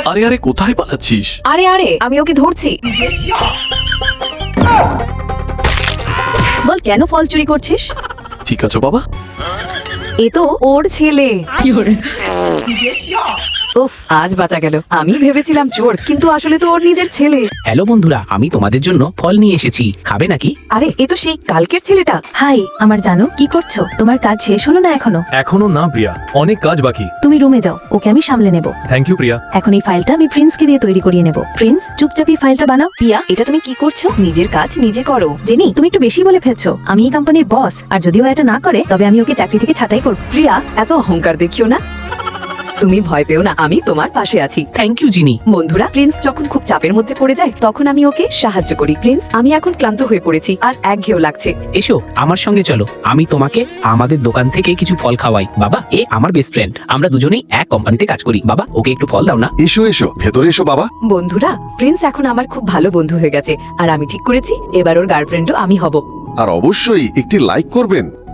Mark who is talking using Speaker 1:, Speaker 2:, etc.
Speaker 1: আরে আরে কোথায় পালাচ্ছিস?
Speaker 2: আরে আরে আমি ওকে ধরছি। বল কেন ফল চুরি করছিস?
Speaker 1: ঠিক আছে বাবা।
Speaker 2: এ তো ওর ছেলে। উফ, আজ বাঁচা গেল। আমি ভেবেছিলাম চোর, কিন্তু আসলে তো ওর নিজের ছেলে।
Speaker 3: হ্যালো বন্ধুরা, আমি তোমাদের জন্য ফল নিয়ে এসেছি, খাবে নাকি?
Speaker 2: আরে এ তো সেই কালকের ছেলেটা।
Speaker 4: হাই আমার জানো, কি করছো? তোমার কাজ শেষ হলো না এখনো?
Speaker 5: এখনো না প্রিয়া, অনেক কাজ বাকি।
Speaker 4: তুমি রুমে যাও, ওকে আমি সামলে নেব।
Speaker 5: Thank you Priya.
Speaker 4: এখন এই ফাইলটা আমি প্রিন্সকে দিয়ে তৈরি করিয়ে নেব। প্রিন্স, চুপচাপ এই ফাইলটা বানাও।
Speaker 2: প্রিয়া, এটা তুমি কি করছো? নিজের কাজ নিজে করো।
Speaker 4: জেনি, তুমি একটু বেশি বলে ফেলছো। আমি এই কোম্পানির বস, আর যদি ও এটা না করে তবে আমি ওকে চাকরি থেকে ছাঁটাই করব।
Speaker 2: প্রিয়া, এত অহংকার দেখিও না। তুমি ভয় পেও না, আমি তোমার পাশে আছি।
Speaker 3: Thank you Genie.
Speaker 2: বন্ধুরা, প্রিন্স যখন খুব চাপের মধ্যে পড়ে যায় তখন আমি ওকে সাহায্য করি। প্রিন্স, আমি এখন ক্লান্ত হয়ে পড়েছি আর একঘেয়েও লাগছে।
Speaker 3: এসো আমার সঙ্গে চলো, আমি তোমাকে আমাদের দোকান থেকে কিছু ফল খাওয়াই। বাবা, এ আমার বেস্ট ফ্রেন্ড, আমরা দুজনেই এক কোম্পানিতে কাজ করি। বাবা, ওকে একটু ফল দাও না।
Speaker 6: এসো এসো, ভেতরে এসো বাবা।
Speaker 2: বন্ধুরা, প্রিন্স এখন আমার খুব ভালো বন্ধু হয়ে গেছে আর আমি ঠিক করেছি এবার ওর গার্লফ্রেন্ডও আমি হব।
Speaker 6: আর অবশ্যই একটি লাইক করবেন।